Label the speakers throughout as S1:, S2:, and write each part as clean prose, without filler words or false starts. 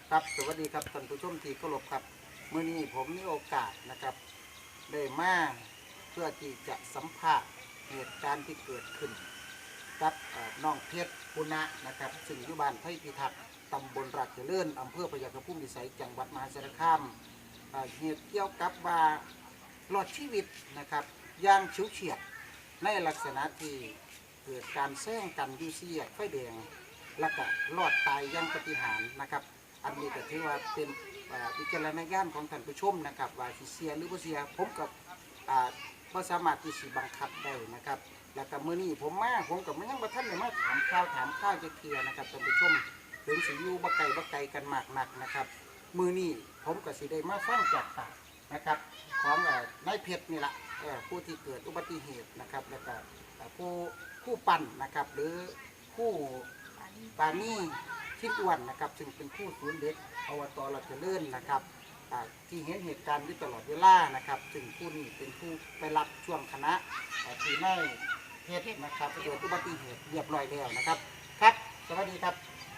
S1: ครับสวัสดีครับท่านผู้ชมที่เคารพครับมื้อนี้ผมมีโอกาสนะครับได้มาเพื่อที่จะสัมภาษณ์เหตุการณ์ที่เกิดขึ้นกับน้องเพชรปุณะนะครับซึ่งอยู่บ้านไผ่พิทักษ์ตำบลราชเจริญอำเภอพยัคฆภูมิวิสัยจังหวัดมหาสารคามเหตุเกี่ยวกับว่ารอดชีวิตนะครับอย่างฉิวเฉียดในลักษณะที่เกิดการแซงกันอยู่สี่แยกไฟแดงและก็รอดตายอย่างปาฏิหาริย์นะครับ อันนี้ก็ถือว่าเป็นวิจารณญาณของท่านผู้ชมนะครับว่าสิเสียหรือบ่เสียผมกับบ่สามารถที่สิบังคับได้นะครับแล้วก็มื้อนี้ผมกับยังบ่ทันได้มาถามข่าวจะเคลียร์นะครับท่านผู้ชมถึงสิอยู่บ่ไกลกันมากนักนะครับมื้อนี้ผมก็สิได้มาฟังจากปากนะครับของนายเพชรนี่ล่ะผู้ที่เกิดอุบัติเหตุนะครับแล้วก็ผู้ปั่นนะครับหรือผู้ปานี่ชิ้นอ้วนนะครับซึ่งเป็นผู้ศูนย์เด็กอบต.ราชเจริญนะครับที่เห็นเหตุการณ์อยู่ตลอดเวลานะครับซึ่งผู้นี้เป็นผู้ไปรับช่วงคณะที่ในเหตุนะครับเกิดอุบัติเหตุเรียบร้อยแล้วนะครับครับสวัสดีครับ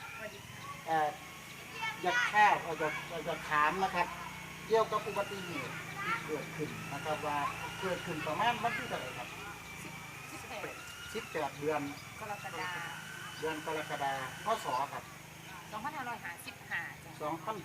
S1: อยากถามนะครับเกี่ยวกับอุบัติเหตุที่เกิดขึ้นนะครับว่าเกิดขึ้นประมาณวันที่เท่าไหร่ครับ18 เดือน
S2: กรกฎาคม
S1: กรกฎาคมพ.ศ. ครับ
S2: 2555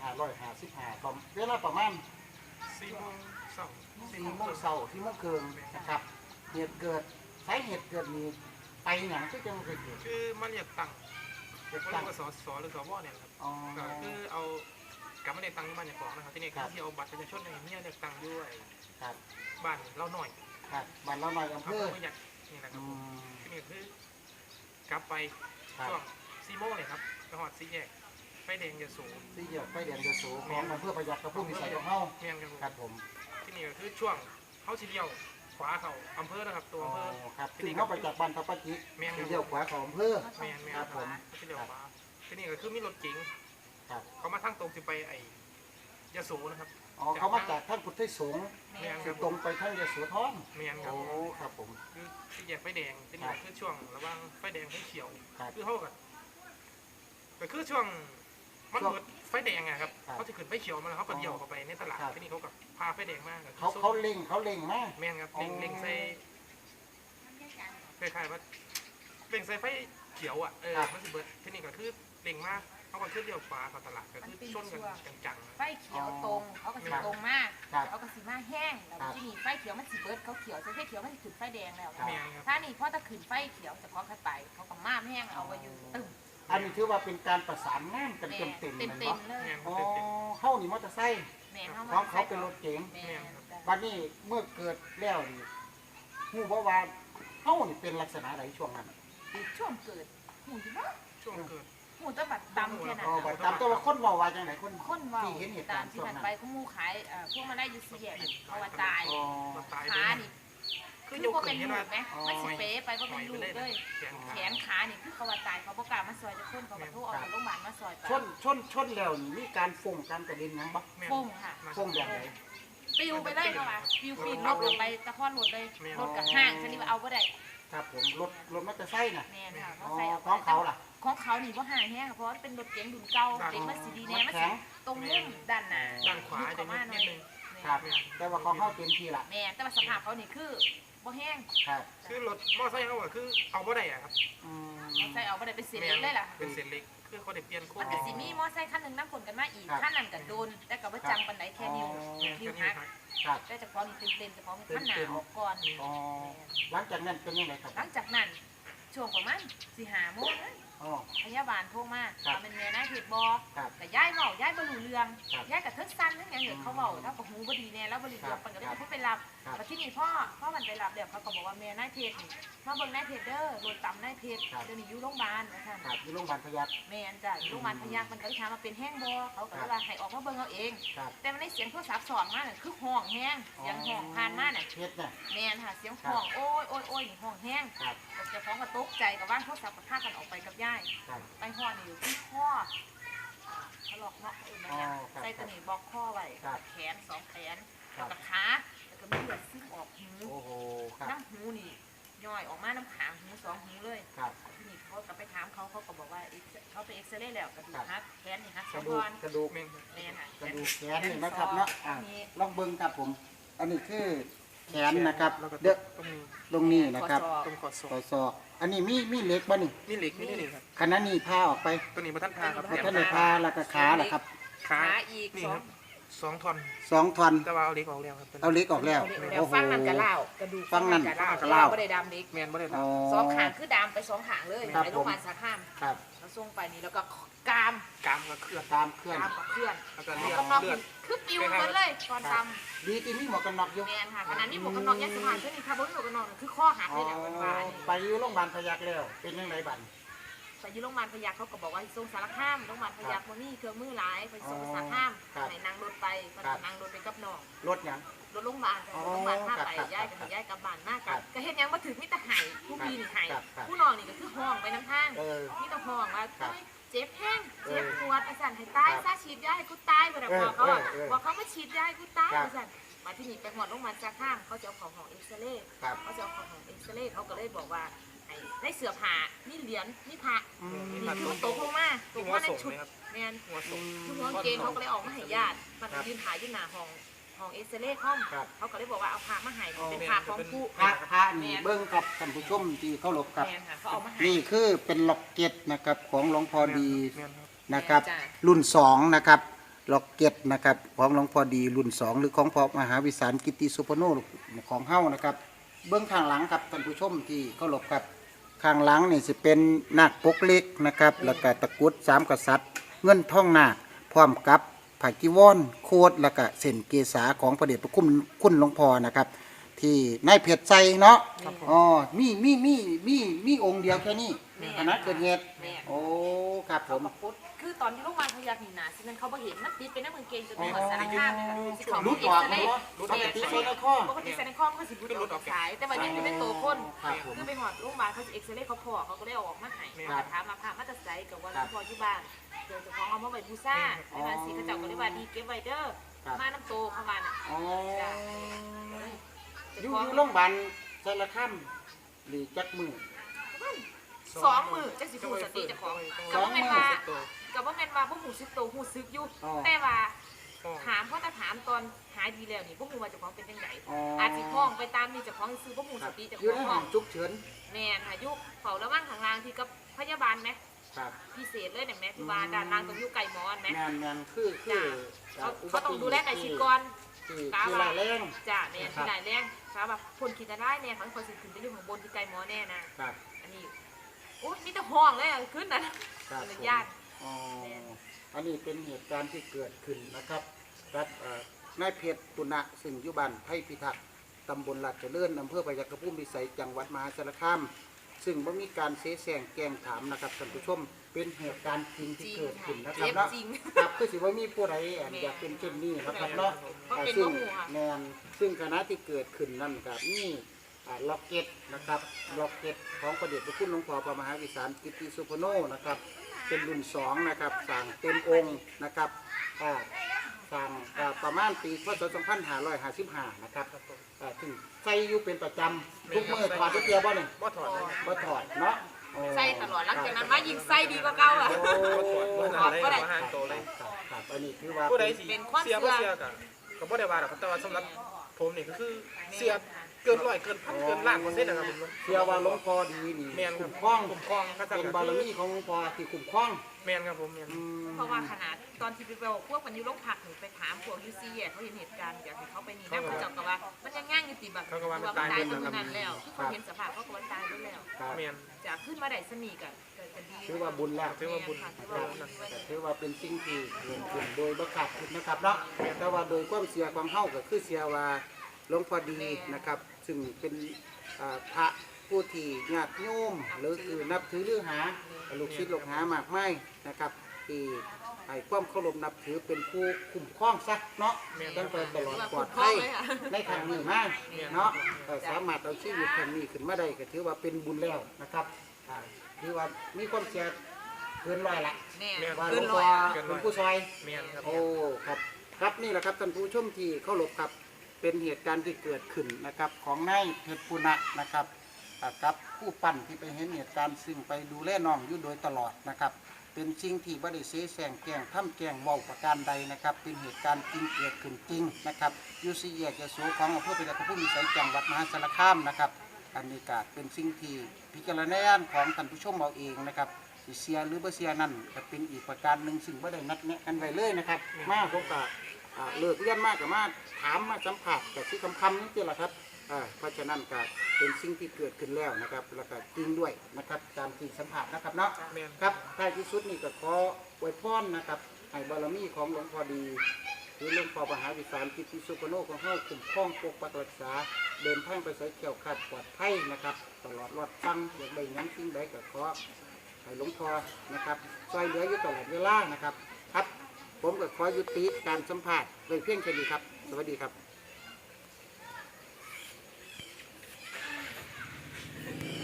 S1: 2555ตอนเวลาประมาณ
S3: 4 โมงเช้า
S1: 4 โมงเช้า4 โมงครึ่งนะครับเหตุเกิดสาเหตุเกิดนี้ไปอย่างที่จะมาเกิด
S3: คือมาเรียกตังค์
S1: เกิด
S3: เรี
S1: ตั้
S3: ย
S1: ง
S3: กว่าสหรือสวเนี่ยครับ
S1: อ๋อ
S3: ก็คือเอากลับมาเรียกตังค์ที่บ้านอย่างของนะครับที่นี่คือที่เอาบัตรประชาชนเนี่ยเรียกตังค์ด้วย
S1: ครับ
S3: บ้านเราหน่อย
S1: ครับบ้านเราหน่อยอำเภอ
S3: ไม่อยากนี่นะครับที่นี่คือกลับไป
S1: ครับ
S3: ช่วง4 โมงเลยครับไปหอด4 แยกไฟแดงยโส
S1: ที่เหยียบไฟแดงยโสของอำเภอพยัคฆภูมิวิสัยของเฮา
S3: เมียนครับ
S1: ครับผม
S3: ที่นี่ก็คือช่วงเขาสิเลี้ยวขวาเขาอำเภอนะครับตัว
S1: อ๋อ
S3: อำเภอ
S1: ครับซึ่งเข้าไปจากบ้านทับปะจิที่เลี้ยวขวาของอำเภอ
S3: เมียน
S1: ครับผม
S3: เขาสิเลี้ยวขวาที่นี่ก็คือมีรถเก๋ง
S1: ครับ
S3: เขามาทางตรงจะไปไอ้ยโสนะครับ
S1: อ๋อเขามาจากท่านพุทธสงฆ์
S3: เมียนค
S1: คื
S3: รั
S1: อบ ตรงไปท่านยโสธร
S3: เมียนครับ
S1: โอ้ครับผม
S3: คือที่แยกไฟแดงที่นี่คือช่วงระหว่างไฟแดงไฟเขียว
S1: ครับ
S3: คือเขาก็คือช่วงมันเกิดไฟแดงอะครับ
S1: ครับ
S3: เขาจะขึ้นไฟเขียวมาแล้วเขาก็เดี่ยวเข้าไปในตลาด
S1: ครับ
S3: ที่นี่เขาก็พาไฟแดงมาก
S1: เขาเล็งมาก
S3: แม่นครับเล็งใส่คล้ายๆว่าเล็งใส่ไฟเขียวอ่ะมันสิเบิดที่นี่ก็คือเล็งมากเขาก็ขึ้นเดี่ยวขวาเข้าตลาดก็คือชนกันจัง
S2: ไฟเขียวตรงเขาก็สิตรงมากเขาก็สิมาแห้งแล้วที่นี่ไฟเขียวมันสิเบิดเขาเขียวไฟเขียวมันสิขึ้นไฟแดงแล้ว
S3: ๆแม่นครับ
S2: ถ้านี่พอถ้าขึ้นไฟเขียวจะพอขึ้นไปเขาก็มาแห้งเอาไว้อยู่ตึ้ม
S1: อันนี้ถือว่าเป็นการประสานงานกันเต็มๆ
S2: เต็
S1: เล
S2: ม
S1: ย
S2: เต็ม
S1: เนาะ
S2: เลย
S3: แม่นค
S1: อ๋
S3: รั
S1: อบ
S3: เต็ม
S1: เข้านี่มอเตอร์ไซค์
S2: แม่
S1: ของเขาเป็นรถเก๋ง
S2: แม่
S1: วันนี้เมื่อเกิดแล้วนี่หูเพราะว่าเข้านี่เป็นลักษณะไหนช่วงนั้น
S2: ช่วงเกิดหูที่ว่า
S3: ๆช่วงเกิด
S2: หูจะบัดดำแค่นั้น
S1: อ๋อบัดตามตัวว่าคนเว่าว่าจังไหนคน
S2: คนว่า
S1: ที่เห็นเหตุ
S2: ตา
S1: การ
S2: ม
S1: ณ์
S2: ที่
S1: ช่วง
S2: มัน
S1: นั้น
S2: ไปเขามูขายพวกมันได้ยูซีแยกเขาว่าตาย
S1: อ๋อ
S3: ตาย
S2: ขานี่
S3: คื
S2: คือ อ
S3: ยก
S2: พวก
S3: ขึ้
S2: เป็น น
S3: นี่
S2: ลู
S3: นะ
S2: กไหมมันสิเป๊ไปเพราะเป็นลูกเลย
S3: แขน
S2: แข
S3: ขาน
S2: ขานี่คือเขาว่าตายเขาประกล้าศมาซอยจะคนเขาก็โทรเอาไปโรงพยาบาลมาซอยไป
S1: ชนแล้วนี่มีการฟงการกระเด็นหยังบ่
S2: ฟงค่ะ
S1: ฟงแบบไหน
S2: ปิวไปเลยเขาว่าปิวปีนรถลงไปตะคอนรถเลยรถกับห้างชนิดว่าเอาก็ได้
S1: ครับผมรถมอเตอร์ไซค์น่ะ
S2: แม่นค่ะ
S1: อ๋อ
S2: เขาใส่เอา
S1: ของเขาล่ะ
S2: ของเขานี่ว่าห่างแห้งเพราะว่าเป็นรถเก๋งดุนเก่าเก๋งมันสีดีแน่มันสีตรงมุมด้านหน้า
S3: ด้านขวาจะนิดนึง
S1: ครับแต่ว่าของเขาเต็มที่ล่ะ
S2: แม่แต่ว่าสภาพเขานี่คือบ่แห้ง
S1: ครับ
S3: คือรถมอไซค์เขาก็คือเอาบ่ได้อะครับ
S1: อืม
S2: เอาใส่เอาบ่ได้เป็นเศษเล็กเลยล่ะ
S3: เป็นเศษเล็กคือเขาได้เปลี่ยนโค้
S2: มั
S3: ด
S2: นก็สิมีมอไซค์คันหนึงน้ำฝนกันมาอีกคันนั้นก็โดนแต่ก็บ่จังปานใดแค่นิ้วหัก
S1: ครับ
S2: แต่เฉพาะนี่เต็มๆเฉพาะมันขั้นหนาออกก่อน
S1: อ๋อหลังจากนั้นเป็นยังไงครับ
S2: หลังจากนั้นช่วงประมาณ4-5 โมงนะ
S1: อ๋อ
S2: พยาบาลโทรมา
S1: ครับ
S2: ว่าเป็นแม่นายเพชรบอ
S1: ครับ
S2: แต่ย้ายเว้าย้ายบ่รู้เรื่อง
S1: ครับ
S2: ย้ายกับเทิงสั้นทั้งอย่างเงี้ยเขาเว้าแล้วก็หูบ่ดีแน่แล้วบ่รู้เรื่องปานก็เลยเขาไปรับ
S1: ครับ
S2: แต่ที่นี่พ่อมันไปรับเดี๋ยวเขาก็บอกว่าแม่นายเพชรนี่มาเบิ่งนายเพชรเด้อโดนตำนายเพชรเดี๋ยวนี้อยู่โรงพยาบาลว่าซั่น
S1: ครับที่โรงพยาบาลพยัคฆ์
S2: แม่นจ้ะอยู่โรงพยาบาลพยัคฆ์มันก็เลยถามว่าเป็นแห้งบ่เขาก็เลยว่าให้ออกมาเบิ่งเอาเอง
S1: ครับ
S2: แต่มันได้เสียงโทรศัพท์สอนมาน่ะคือห้องแห้งเสียงห้องผ่านมาน่ะ
S1: เพชรเนี่ย
S2: แม่นค่ะเสียงห้องโอ้ยโอ้ยโอ้ยนี่ห้องแห้ง
S1: ครับ
S2: เจ้าของก็ตกใจกับว่างโทรศัพท์ก็พากันออกไปกับยาย
S1: ครับ
S2: ไปห่อนี่อยู่ที่ข้อถลอกเนาะอื่นมันเนี่ย
S1: อ๋อครับ
S2: ใส่ตัวนี้บล็อกข้อไว้
S1: ครับ
S2: แขน2 แขน
S1: ครั
S2: แล้ว
S1: บ
S2: ก็ขาแล้วก็มีเลือดซึมออกหู
S1: โอ้โหครับ
S2: น้ำหูนี่ย่อยออกมาน้ำขางหูสองหูเลย
S1: ครับ
S2: ทีนี้เขาก็ไปถามเขาก็บอกว่าเขาไปเอ็กซเรย์แล้วกระดูกหักแขนนี่หัก
S1: ก
S2: สอ
S1: ระ
S2: ง
S1: ดู
S2: ท่
S1: ก
S2: อน
S1: กระดูก
S3: แม่น
S2: แม่นค่ะ
S1: กระดูกแขนนี่นะครับเนาะลองเบิ่งครับผม อันนี้คือแขนนะครับ
S3: แล้วก็
S1: เด้อ
S3: ตรงนี้
S1: ตรงนี้นะครับ
S3: ตรงคอศอก
S1: ต่อศอกอันนี้มีเหล็กบ่นี่
S3: มีเหล็กนี่นี่ครับ
S1: ขณะนี้พาออกไป
S3: ตัวนี้มาท่านพาครับ
S1: แล้วท่านได้พาแล้วก็ขาล่ะครับ
S3: ขา
S2: ขาอีก
S3: นี่
S2: สอ
S3: ค
S2: ง
S3: รับ2 ท่อน
S1: 2 ท่อน
S3: แต่ว่าเอาเหล็กออกแล้วครับ
S1: เอาเหล็กออกแล้ว
S2: แล้วฟังนั่นกระเล่ากระดูก
S1: ฟังนั่น
S2: กระเล่าก
S1: ระเล่า
S2: ไม่ได้ดำเด็ก
S3: แม่นบ่ได้
S1: อ๋อ
S2: สองขางคือดำไปสองขางเลย
S1: ครับ
S2: ไปโรงพยาบาลสาขา
S1: ครับ
S2: เขาส่งไปนี่แล้วก็กาม
S3: กามกับเคลื่อน
S1: ตามเคลื่อน
S2: กามกับเพื่อน
S3: แล้วก็
S2: หม
S3: เลื
S2: ว
S3: อก ด
S2: กันน็อก
S3: เลือด
S2: คือปิวหมดเลยตอนด
S1: ดีที่มีหมวกกันน็อกอยู่
S2: ำแมนค่ะขณะนี้หมวกกันน็อกยัดสะพานเช่นนี้ค่ะบนหมวกกันน็อกคือข้อหัก
S1: อ๋อ
S2: เลยแหละวันวานนี่
S1: ไปอยู่โรงพยาบาลพยัคฆ์แล้ว เป็นยังไงบัด
S2: ไปที่โรงพยาบาลพยัคฆ์เขาก็บอกว่าส่งสารคามโรงพยาบาลพยัคฆ์ว่ามีเครื่องมือหลายไปส่งสารคาม
S1: ครับ
S2: ไหนนางรถไปก็
S1: ครับ
S2: นางรถไปกับน้อง
S1: รถหยัง
S2: รถโรงพยาบาล
S1: อ๋อ
S2: โรงพยาบาลท่าไป
S1: ครับ
S2: ย้ายกับย้ายกลับบ้านมาก
S1: ครั
S2: กับ ก็เห็นยังมาถึงมิตรไห้ผู้พี่นี่ไห้
S1: ครับครับ
S2: ผู้น้องนี่ก็คือห้องไปน้ำทาง
S1: เออ
S2: มิตรห้องว่า
S1: ครับ
S2: เอ้ยเจ็บแห้งเจ็บ
S1: เออ
S2: ปวดอาจารย์ให้ตาย
S1: ครับ
S2: ซาฉีดยาให้กูตายไปแต่บอกเขาอะ
S1: เออ
S2: บอกเขามาฉีดยาให้กูตาย
S1: ครับ
S2: อาจารย์มาที่นี่ไปหอดโรงพยาบาลจากข้ามเขาจะเอาของเอ็กซเรย์
S1: ครับ
S2: เขาจะเอาของเอ็กซเรย์เขาก็เลยบอกว่าไอ้ได้เสือผ่านี่เหรียญนี่พระ
S1: อืม
S2: นี่คือมันตกลงมาต
S3: ที่
S2: ก
S3: หัว
S2: มาใน
S3: ส่ง
S2: ชุด
S3: ไหมครับ
S2: แมน
S3: หัวส่ง
S2: ชุดหัวกางเกงเขาก็เลยออกมาให้ญาติมันยืนถ่ายยืนหน้าห้องเอ็กซเรย์ห้อง
S1: ครับ
S2: เขาก็เลยบอกว่าเอาพามาให้
S1: อ๋อ
S2: เป็นพาของผู้
S1: พระนี่เบิ้งกับท่านผู้ชมที่เคารพครับ
S2: แมนค่ะเขาเอามาให้
S1: นี่คือเป็นล็อกเก็ตนะครับของหลวงพ่อดี
S3: แม่นครับ
S1: นะครับ
S2: จ้ะ
S1: รุ่น2นะครับล็อกเก็ตนะครับของหลวงพ่อดีรุ่น 2 หรือของพ่อมหาวิสารกิตติสุพโนของเฮ้านะครับ เบื้องข้างหลังครับท่านผู้ชมที่เคารพครับข้างหลังนี่สิเป็นนาคปกเล็กนะครับแล้วก็ตะกรุด3 กษัตริย์ เงินท่องนาคพร้อมกับผ้าจีวรโคดแล้วก็เส้นเกษาของพระเดชพระคุณหลวงพ่อนะครับ ที่นายเพชรใจเนาะอ๋อมีองค์เดียวแค่นี้คณะเกิดเหตุ
S2: แม่น
S1: โอ้ครับผม
S2: มาพุทธคือตอนที่โรงพยาบาลพยาธินาสินั้นเขาบ่เห็นมันติดเป็นน้ำมือเกงจนเป็นเหมือนสารคามเลยค่ะสิเขา
S1: รุด
S2: เอ็
S1: อก อก
S2: ซเร
S1: เนาะ
S2: ย์
S1: ปกติใช้ในข้อ
S2: ปกติใส่ในข้อมันก็สิรุดออกสาย แต่ว่ายังไม่เป็นตัวคน
S1: ครับผม
S2: คือไปหอดโรงพยาบาลเขาจะเอ็กซเรย์เขาพอเขาก็ได้เอาออกมาให้
S1: ครับ
S2: ถามมาผ่ามาตัดใจกับว่าหลวงพ่ออยู่บ้านเดี๋ยวเจะของเอามาไว้บูซ่าในบ้านสีเขาเจ้าก็เลยว่าดีเก็บไว้เด้อ
S1: ครับ
S2: มาน้ำโตเข้ามาน่ะ
S1: อ๋อ
S2: จ้ะ
S1: อยู่โรงพยาบาลสารคามหรือจักมือ
S2: สองมือจังสิพูดสติเจะของ
S1: ส
S2: ก็
S1: อง
S2: บ่
S1: มื้
S2: แม่น
S1: อ
S2: ว่าก็บ่แม่นว่าพวกหูซึกโตหูซึกอยู่
S1: อ๋อ
S2: แต่ว่า ถามเพราะถ้าถามตอนหายดีแล้วนี่พวกมูว่าเจะของเป็นยังไง
S1: อ๋อ
S2: อาจสิห้องไปตามนี่เจะของซื้อพวกมู
S1: ค
S2: ส
S1: รับ
S2: ติเจะ
S1: อ
S2: ข
S1: ยู่
S2: อง
S1: ใน
S2: ห้
S1: ห้
S2: อ
S1: อง งฉุกเฉิน
S2: แม่นหายุเฝ้าระวังข้างล่างที่กับพยาบาลไหม
S1: ครับ
S2: พิเศษเลยเนี่ยแม่ที่ว่าด้านล่างต้องอยู่ไก่หมอนไหม
S1: แมนคือ
S2: เขาต้องดูแลไก่ชิดก่อน
S1: คือรายแรง
S2: จ้าแม่ที่ไหนแรงครับแบบคนคิดจะได้เนี่ยเขาคนสิขึ้นไปอยู่ข้างบนที่ไก่หมอแน่นะครับ อันนี้โอ้ยมีแต่ห้องเลยอะขึ้นนะครับ เป็นญาติ
S1: อ๋ออันนี้เป็นเหตุการณ์ที่เกิดขึ้นนะครับกับนายเพชรปุณะซึ่งอยู่บ้านไผ่พิทักษ์ตำบลลาดเจริญอำเภอพยัคฆภูมิวิสัยจังหวัดมหาสารคามซึ่งบ่มีการเสแสร้งแกล้งถามนะครับท่านผู้ชมเป็นเหตุการณ์จริง
S2: จ
S1: ที่
S2: ริง
S1: เกิดขึ้นนะค
S2: เจ็
S1: รับบ เนาะ
S2: จริง
S1: ครับคือสิว่ามีผู้ใดอยากเป็นเช่นนี้นะครับเนาะ
S2: เพราะเป็น
S1: ซึ่ง
S2: บ่ฮู้ค่ะ
S1: แมนซึ่งคณะที่เกิดขึ้นนั่นครับนี่ล็อกเก็ตนะครับล็อกเก็ตของพระเดชพระคุณหลวงพ่อพระมหาวิสารกิตติสุพโนนะครับเป็นรุ่น2นะครับสั่งเต็มองค์นะครับสั่งประมาณปีพศ2555นะครับถึงใส่อยู่เป็นประจำทุกมื้อถอดทุกเดียวบ่นี่
S3: บ่ถอดเลย
S1: บ่ถอดเนาะโอ้
S2: ใส่ตลอดหลังจากนั้นมายิงใส่ดีกว่าเก่าอ่ะ
S3: บ่ถอดบ่ได้บ่ห่างโตเลย
S1: ครับอันนี้คือว่า
S3: ผู้ใดสิ
S2: เป็นความ
S3: เสีย
S2: เชื่
S3: บ่
S2: อ
S3: เสียก็บ่ได้ว่าหรอกครับแต่ว่าสำหรับผมนี่ก็คือเสียเกิน100เกินพันเกินล้าน%นะครับผม
S1: เชื่อว่าหลวงพ่อดีนี่
S3: แม่นครับ
S1: คุ้มครอง
S3: คุ้มครองพระเจ้า
S1: เป็น
S3: ก็
S1: บาร
S3: คือ
S1: มีของหลวงพ่อที่คุ้มครอง
S3: แม่นครับผมแม่น
S2: เพราะว่าขนาดตอนที่ไปบอกพวกมันอยู่โรงพักหนูไปถามพวกยูซีเขาเห็นเหตุการณ์อยากให้เขาไปนี่นะเขาจับกับว่ามันยังง่ายอยู่ติบักว่ามันตายตรงนั้นแล้วที่เขาเห็นสภาพเขาก็ว่าตายไปแล้ว
S1: ครับ
S3: แม่น
S2: จะขึ้นมาได้สนิทกันจะดี
S1: ถือว่าบุญแล้ว
S3: ถือว่าบุญ
S1: แต่ถือว่าเป็นสิ่งที่เกิดขึ้นโดยบังคับนะครับเนาะแต่ว่าโดยความเสียความเฮาก็คือเสียว่าหลวงพ่อดีนะครับ ซึ่งเป็นพระผู้ที่ญาติโยมหรือคือนับถือหรือหาลูกศิษย์ลูกหามากมายนะครับที่ให้ความเคารพนับถือเป็นผู้คุ้มครองซะเนาะตั้งแต่ตลอดปลอดภัยในทางนี้มาเนาะสามารถเอาชีวิตทางนี้ขึ้นมาได้ก็ถือว่าเป็นบุญแล้วนะครับถือว่ามีความเสียเกินร้อยละ
S2: แน่
S1: ว่าหล
S2: ขึ้
S1: วน ง
S2: ล
S1: พ่
S2: อ
S1: อย เป็นผู้ซอย
S3: แม่นครับ
S1: โอ้ครับครับนี่แหละครับท่านผู้ชมที่เคารพครับเป็นเหตุการณ์ที่เกิดขึ้นนะครับของนายเพชรปุณะนะครับกับผู้ปั้นที่ไปเห็นเหตุการณ์ซึ่งไปดูแลน้องอยู่โดยตลอดนะครับเป็นสิ่งที่บ่ได้เสแสร้งแกล้งทำแกล้งเว้าประการใดนะครับเป็นเหตุการณ์จริงเกิดขึ้นจริงนะครับอยู่4แยกยโสของอำเภอพญาภูมิวิสัยจังหวัดมหาสารคามนะครับอันนี้ก็เป็นสิ่งที่พิจารณาของท่านผู้ชมเอาเองนะครับสิเสียหรือบ่เสียนั่นก็เป็นอีกประการหนึ่งซึ่งบ่ได้นัดแนะกันไว้เลยนะครับมาผมก็เลิกเรียนมากกับมาถามมาสัมผัสกับที่คำนี่แหละครับเพราะฉะนั้นก็เป็นสิ่งที่เกิดขึ้นแล้วนะครับแล้วก็จริงด้วยนะครับตามที่สัมผัสนะครับเนาะครับท้ายที่สุดนี่ก็ขออวยพรนะครับให้บารมีของหลวงพ่อดีหรือหลวงพ่อมหาวิสารกิติสุปโนของเฮาคุ้มครองปกปักรักษาเดินทางไปใส่เกี่ยวขัดปลอดภัยนะครับตลอดรอดฟังอย่างใดนั้นสิ่งใดก็ขอให้หลวงพ่อนะครับช่วยเหลืออยู่ตลอดเวลานะครับครับผมก็ขอยุติการสัมภาษณ์โดยเพียงแค่นี้ครับสวัสดีครับ